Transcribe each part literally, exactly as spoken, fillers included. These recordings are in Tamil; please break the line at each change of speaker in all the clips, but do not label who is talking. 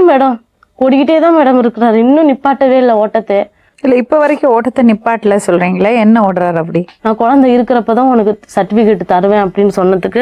தெரியும் மேடம், ஓடிக்கிட்டே தான் மேடம் இருக்கிறாரு, இன்னும் நிப்பாட்டவே இல்லை ஓட்டத்தை.
இல்ல இப்ப வரைக்கும் ஓட்டத்தை நிப்பாட்டல சொல்றீங்களே, என்ன ஓடுறாரு அப்படி?
நான் குழந்தை இருக்கிறப்பதான் உனக்கு சர்டிபிகேட் தருவேன் அப்படின்னு சொன்னதுக்கு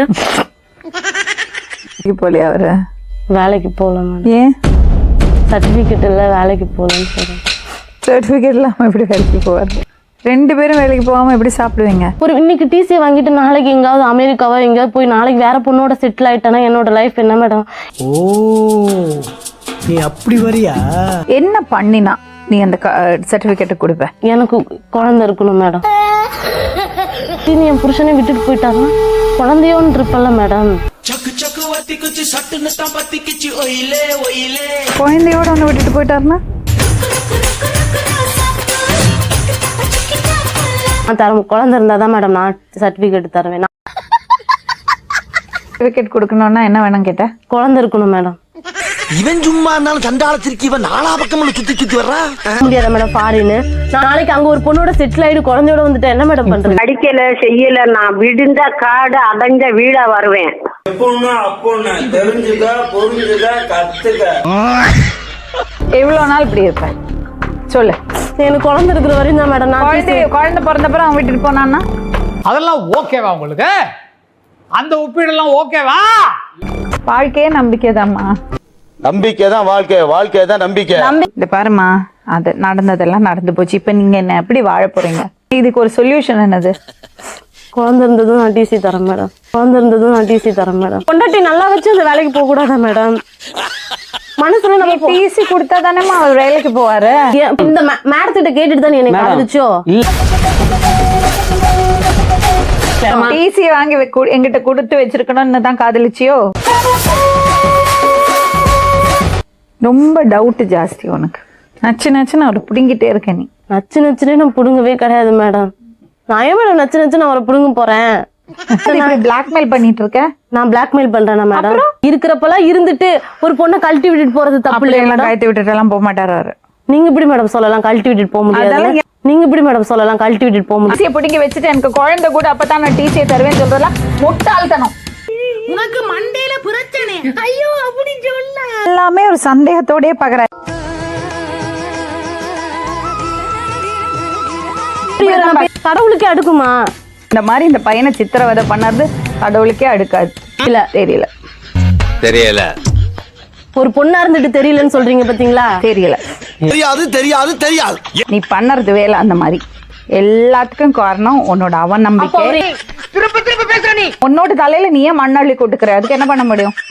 போலியா அவரு
வேலைக்கு போகல மேடம்.
ஏன்
சர்டிபிகேட் இல்லை, வேலைக்கு போகலன்னு சொல்றேன்.
சர்டிபிகேட் இல்லாம எப்படி வேலைக்கு போவார்? ரெண்டு பேரும் வேலைக்கு போகாம எப்படி சாப்பிடுவீங்க?
ஒரு இன்னைக்கு டிசி வாங்கிட்டு நாளைக்கு எங்காவது அமெரிக்காவோ எங்கேயாவது போய் நாளைக்கு வேற பொண்ணோட செட்டில் ஆயிட்டேன்னா என்னோட லைஃப் என்ன மேடம்?
ஓ நீ அப்படி வரியா?
என்ன பண்ணினா நீ அந்த சர்டிபிகேட்டை கொடுப்ப?
எனக்கு குழந்தை இருக்கணும் மேடம். நீ என் புருஷனை விட்டுட்டு போயிட்டாருன்னா குழந்தையோன்னு இருப்பல்ல மேடம்.
குழந்தையோட ஒண்ணு விட்டுட்டு போயிட்டாருன்னா
தர குழந்தை இருந்தாதான் மேடம் நான் சர்டிபிகேட் தருவேன்.
சர்டிபிகேட் கொடுக்கணும்னா என்ன வேணும் கேட்ட?
குழந்தை இருக்கணும் மேடம்.
இவன் சும்மா இருந்தாலும் சண்டாளத்திற்கு இவன் நாலா பக்கம் சுத்தி சுத்தி வர்றான்.
முடியாத மேடம் ஃபாரின். நாளைக்கு அங்க ஒரு பொண்ணோட செட்டில் ஆயிடு குழந்தையோட வந்துட்டு என்ன மேடம் பண்றது?
அடிக்கல செய்யல, நான் விடுந்த காடு அடைஞ்ச வீடா வருவேன்.
எவ்வளவு நாள் இப்படி இருப்பேன் சொல்லு.
எனக்கு குழந்தை இருக்கிற வரையும் தான் மேடம். நான்
குழந்தை குழந்தை பிறந்தப்பறம் அவன் விட்டுட்டு போனான்னா
அதெல்லாம் ஓகேவா உங்களுக்கு? அந்த ஒப்பீடெல்லாம் ஓகேவா?
வாழ்க்கையே நம்பிக்கை தான்மா.
நம்பிக்கை தான் வாழ்க்கை, வாழ்க்கை தான் நம்பிக்கை.
இந்த பாருமா, அது நடந்ததெல்லாம் நடந்து போச்சு. இப்ப நீங்க என்ன எப்படி வாழ போறீங்க? இதுக்கு ஒரு சொல்யூஷன் என்னது?
குழந்தை இருந்ததும் நான் டிசி தரேன் மேடம். குழந்தை இருந்ததும் நான் டிசி தரேன் மேடம். பொண்டாட்டி நல்லா வச்சு அந்த வேலைக்கு போக கூடாதா மேடம்? மனசுல நம்ம
டிசி கொடுத்தா தானேமா அவர் வேலைக்கு போவாரு.
இந்த மேடத்திட்ட கேட்டுட்டு தான் எனக்கு காதலிச்சோ?
டிசி வாங்கி எங்கிட்ட கொடுத்து வச்சிருக்கணும்னு தான் காதலிச்சியோ? ரொம்ப டவுட் ஜாஸ்தி உனக்கு. நச்சு நச்சுன்னு அவரை பிடுங்கிட்டே இருக்க நீ.
நச்சு நச்சுனே நான் புடுங்கவே கிடையாது மேடம். நான் ஏன் மேடம் நச்சு நச்சுன்னு அவரை புடுங்க போறேன்?
பிளாக்மெயில் பண்ணிட்டு இருக்க?
நான் பிளாக்மெயில் பண்றேனா மேடம்? இருக்கிறப்பெல்லாம் இருந்துட்டு ஒரு பொண்ணை கழட்டி விட்டுட்டு போறது தப்பு இல்லையா மேடம்?
கழட்டி விட்டுட்டு எல்லாம் போக மாட்டாரு.
நீங்க எப்படி மேடம் சொல்லலாம் கழட்டி விட்டுட்டு போக முடியாது? நீங்க எப்படி மேடம் சொல்லலாம் கழட்டி விட்டுட்டு போக முடியாது?
டிசியை பிடிங்க வச்சுட்டு எனக்கு குழந்தை கூட அப்பதான் நான் டிசியை தருவேன் சொல்றதெல்லாம் முட்டாள்தனம்.
உனக்கு மண்டையில பிரச்சனை. ஐயோ அப்படி சொல்ல.
எல்லாமே ஒரு சந்தேகத்தோடயே பாக்குற.
கடவுளுக்கே அடுக்குமா
இந்த மாதிரி இந்த பையனை சித்திரவதை பண்ணது? கடவுளுக்கே அடுக்காது. இல்ல தெரியல
தெரியல.
ஒரு பொண்ணா இருந்துட்டு தெரியலன்னு சொல்றீங்க பாத்தீங்களா?
தெரியல,
தெரியாது தெரியாது தெரியாது.
நீ பண்ணறது வேலை அந்த மாதிரி. எல்லாத்துக்கும் காரணம் உன்னோட அவநம்பிக்கை. உன்னோட தலையில நீயே மண்ணள்ளி கொட்டுக்கிற. அதுக்கு என்ன பண்ண முடியும்?